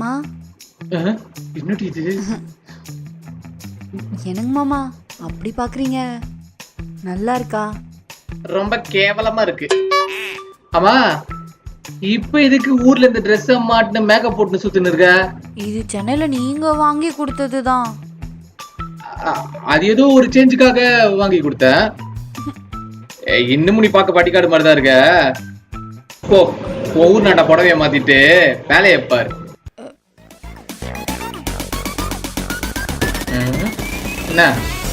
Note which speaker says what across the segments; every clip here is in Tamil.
Speaker 1: மாமா
Speaker 2: என்னடி இது?
Speaker 1: என்னங்க மாமா அப்படி பாக்குறீங்க? நல்லா இருக்கா?
Speaker 2: ரொம்ப கேவலமா இருக்கு. ஆமா, இப்ப எதுக்கு ஊர்ல இந்த ட்ரெஸ் மாட்டின மேக்கப் போட்டு சுத்தின்னு இருக்க?
Speaker 1: இது சென்னையில நீங்க வாங்கி கொடுத்ததுதான்.
Speaker 2: அது ஏதோ ஒரு சேஞ்சுக்காக வாங்கி கொடுத்தேன். இன்னமும் நீ பார்க்க பட்டிக்காடு மாதிரி தான் இருக்க. போ, ஊர் நாட்ட புடவைய மாத்திட்டு வேலையை பாரு. என்ன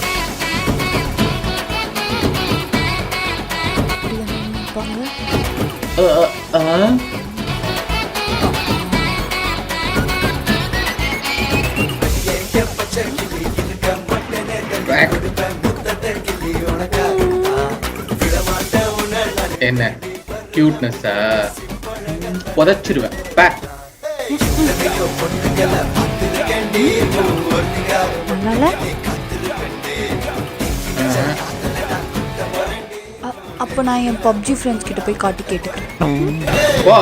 Speaker 2: என்ன கியூட்னஸா? புதைச்சிருவேன்.
Speaker 1: அப்ப நான் என் பப்ஜி ஃப்ரெண்ட்ஸ் கிட்ட போய் காட்டி கேட்டுக்கிறேன்.
Speaker 2: வா.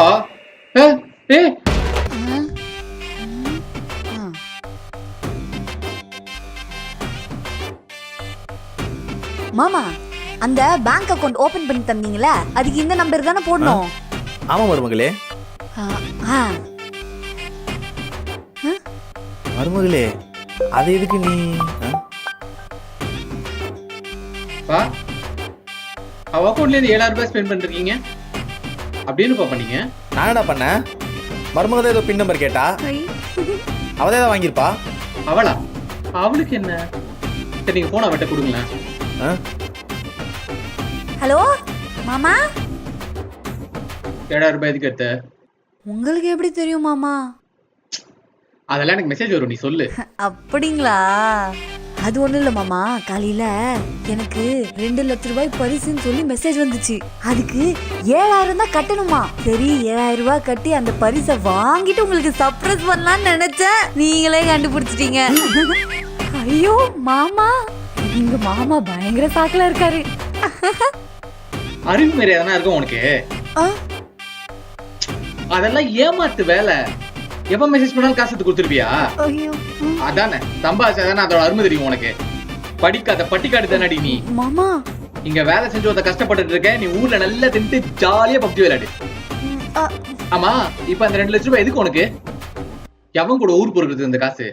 Speaker 1: மாமா, அந்த பேங்க் அக்கவுண்ட் ஓபன் பண்ணி தந்தீங்களா, அதுக்கு இந்த நம்பர் தானே போடணும்?
Speaker 3: ஆமா மருமகளே. மருமகளே, அது எதுக்கு நீ?
Speaker 2: அவ அக்கவுண்ட்ல இருந்து 7000 ரூபாய் ஸ்பெண்ட் பண்ணிருக்கீங்க. அப்படின்னு பண்ணீங்க?
Speaker 3: நான் என்ன பண்ணேன்? மருமகளே ஏதோ பின் நம்பர் கேட்டா, அவதே தான் வாங்கியிருப்பா.
Speaker 2: அவளா? அவளுக்கு என்ன? சரி, நீங்க போன் அவட்ட கொடுங்களேன்.
Speaker 1: ஹலோ மாமா,
Speaker 2: 7000 ரூபாய் எதுக்கு எடுத்த?
Speaker 1: உங்களுக்கு எப்படி தெரியும் மாமா?
Speaker 2: அதெல்லாம் எனக்கு மெசேஜ் வரும், நீ சொல்லு.
Speaker 1: அப்படிங்களா? அது ஒண்ணும் இல்ல மாமா, காலையில எனக்கு 2 லட்சம் ரூபாய் பரிசுன்னு சொல்லி மெசேஜ் வந்துச்சு. அதுக்கு 7000 தான் கட்டணுமா. சரி, 7000 ரூபாய் கட்டி அந்த பரிசை வாங்கிட்டு உங்களுக்கு சர்ப்ரைஸ் பண்ணலாம்னு நினைச்சேன். நீங்களே கண்டுபிடிச்சிட்டீங்க. ஐயோ மாமா, எங்க மாமா பயங்கர சாக்கல இருக்காரு.
Speaker 2: அறிவு மாரி எதனா இருக்கும் உனக்கு? அதெல்லாம் ஏமாத்து வேலை. எப்ப மெசேஜ் பண்ணாலும் காசு கொடுத்துருப்பியா? அதானே சம்பாதிச்சாதானே அதோட அருமை தெரியும் உனக்கு. படிக்காத பட்டிக்காடு தானடி நீ.
Speaker 1: மாமா,
Speaker 2: இங்க வேலை செஞ்சு ஒருத்த கஷ்டப்பட்டு இருக்க, நீ ஊர்ல நல்லா தின்ட்டு ஜாலியா பப்ஜி விளையாடு. ஆமா, இப்ப அந்த 2 லட்சம் ரூபாய் எதுக்கு உனக்கு? எவன் கூட ஊர் பொறுக்கிறது இந்த காசு?